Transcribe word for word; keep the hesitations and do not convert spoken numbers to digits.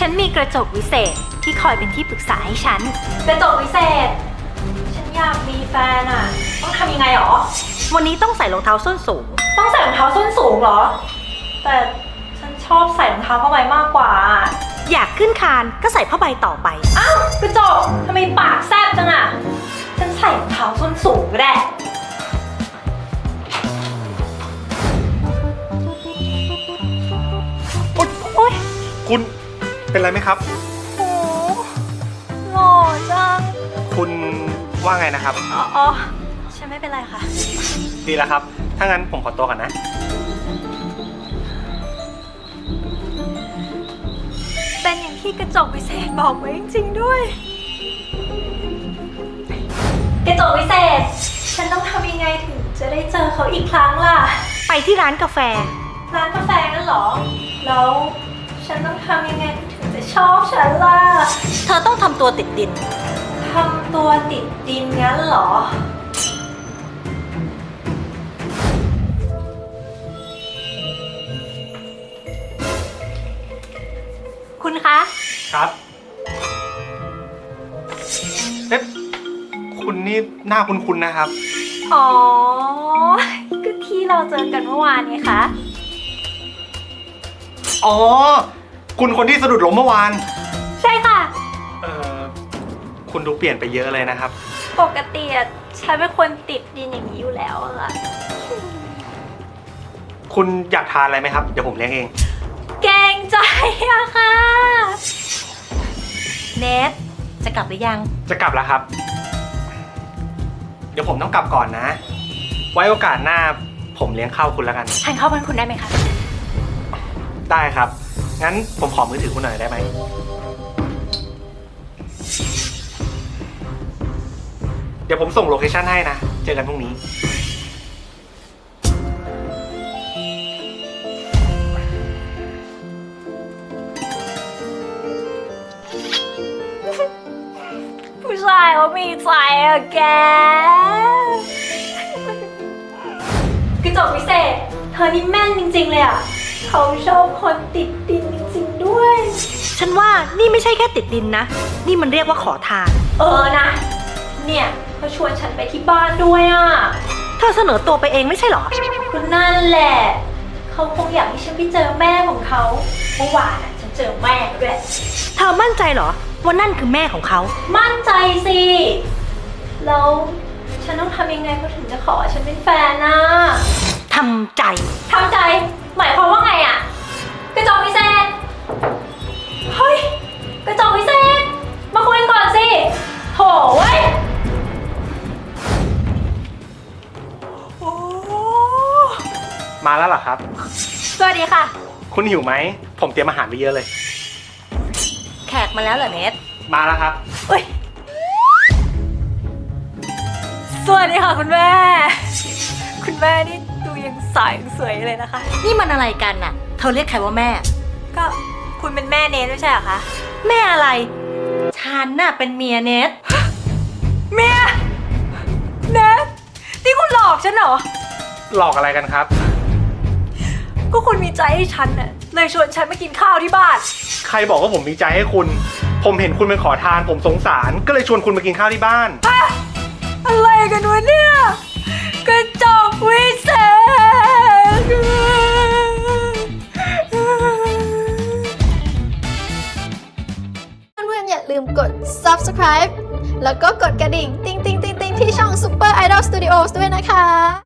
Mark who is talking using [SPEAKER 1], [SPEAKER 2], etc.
[SPEAKER 1] ฉันมีกระจกวิเศษที่คอยเป็นที่ปรึกษาให้ฉันกระจกวิเศษฉันอยากมีแฟนอะต้องทำยังไงหรอวันนี้ต้องใส่รองเท้าส้นสูงต้องใส่รองเท้าส้นสูงเหรอแต่ฉันชอบใส่รองเท้าผ้าใบมากกว่าอยากขึ้นคานก็ใส่ผ้าใบต่อไปอ้าวกระจกทำไมปากแซบจังอะฉันใส่รองเท้าส้นสูงก็ได้โอ๊ย
[SPEAKER 2] คุณเป็นไรไหมครับ
[SPEAKER 1] โอ้หล่อจัง
[SPEAKER 2] คุณว่าไงนะครับ
[SPEAKER 1] อ๋ออ๋อฉันไม่เป็นไรค่ะ
[SPEAKER 2] ดีแล้วครับถ้างั้นผมขอตัวก่อนนะ
[SPEAKER 1] เป็นอย่างที่กระจกวิเศษบอกไว้จริงๆด้วยกระจกวิเศษฉันต้องทำยังไงถึงจะได้เจอเขาอีกครั้งล่ะไปที่ร้านกาแฟร้านกาแฟนั่นเหรอแล้วฉันต้องทำยังไงถึงจะชอบฉันล่ะเธอต้องทำตัวติดดินทำตัวติดดินงั้นเหรอคุณคะ
[SPEAKER 2] ครับเอ๊ะคุณนี่หน้าคุ้นๆนะครับ
[SPEAKER 1] อ๋อก็ที่เราเจอกันเมื่อวานไงคะ
[SPEAKER 2] อ๋อคุณคนที่สะดุดล้มเมื่อวาน
[SPEAKER 1] ใช่ค่ะ
[SPEAKER 2] เอ่อคุณดูเปลี่ยนไปเยอะเลยนะครับ
[SPEAKER 1] ปกติอะฉันเป็นคนติดดินอย่างนี้อยู่แล้วอะ
[SPEAKER 2] คุณอยากทานอะไรไหมครับเดี๋ยวผมเลี้ยงเอง
[SPEAKER 1] แกงใจอะค่ะเนทจะกลับหรือยัง
[SPEAKER 2] จะกลับแล้วครับเดี๋ยวผมต้องกลับก่อนนะไว้โอกาสหน้าผมเลี้ยงข้าวคุณแล้วกัน
[SPEAKER 1] ทานข้าวบ้านคุณได้ไหมคะ
[SPEAKER 2] ได้ครับงั้นผมขอมือถือคุณหน่อยได้ไหมเดี๋ยวผมส่งโลเคชั่นให้นะเจอกันพรุ่งนี้
[SPEAKER 1] ผู้ชายเขามีใจอะแกกระจกวิเศษเธอนี่แม่นจริงๆเลยอะเขาชอบคนติดดินจริงๆด้วยฉันว่านี่ไม่ใช่แค่ติดดินนะนี่มันเรียกว่าขอทานเออนะเนี่ยเขาชวนฉันไปที่บ้านด้วยอะเธอเสนอตัวไปเองไม่ใช่หรอคุณนั่นแหละเขาคงอยากให้ฉันไปเจอแม่ของเขาเมื่อวานอะฉันเจอแม่ด้วยเธอมั่นใจเหรอว่านั่นคือแม่ของเขามั่นใจสิแล้วฉันต้องทำยังไงเขาถึงจะขอฉันเป็นแฟนนะทำใจทำใจหมายความว่าไงอะกระจกวิเศษเฮ้ยกระจกวิเศษมาคุยกันก่อนสิโถ่เว้ยโอ้
[SPEAKER 2] มาแล้วเหรอครับ
[SPEAKER 1] สวัสดีค่ะ
[SPEAKER 2] คุณหิวไหมผมเตรียมอาหารไปเยอะเลย
[SPEAKER 1] แขกมาแล้วเหรอเนท
[SPEAKER 2] มาแล้วครับ
[SPEAKER 1] เฮ้ยสวัสดีค่ะคุณแม่คุณแม่นี่ดูยังสายสวยเลยนะคะนี่มันอะไรกันน่ะเธอเรียกใครว่าแม่ก็คุณเป็นแม่เนทไม่ใช่เหรอคะแม่อะไรฉันน่ะเป็นเมียเนทเมียเนทนี่คุณหลอกฉันเหรอ
[SPEAKER 2] หลอกอะไรกันครับ
[SPEAKER 1] ก็คุณมีใจให้ฉันน่ะเลยชวนฉันมากินข้าวที่บ้าน
[SPEAKER 2] ใครบอกว่าผมมีใจให้คุณผมเห็นคุณเป็นขอทานผมสงสารก็เลยชวนคุณมากินข้าวที่บ้าน
[SPEAKER 1] อะไรกันวะเนี่ยกระจกวิเศษ
[SPEAKER 3] เพื่อนๆอย่าลืมกด ซับสไครบ์ แล้วก็กดกระดิ่ง ติ๊งติ๊งติ๊งติ๊งที่ช่อง Super Idol Studios ด้วยนะคะ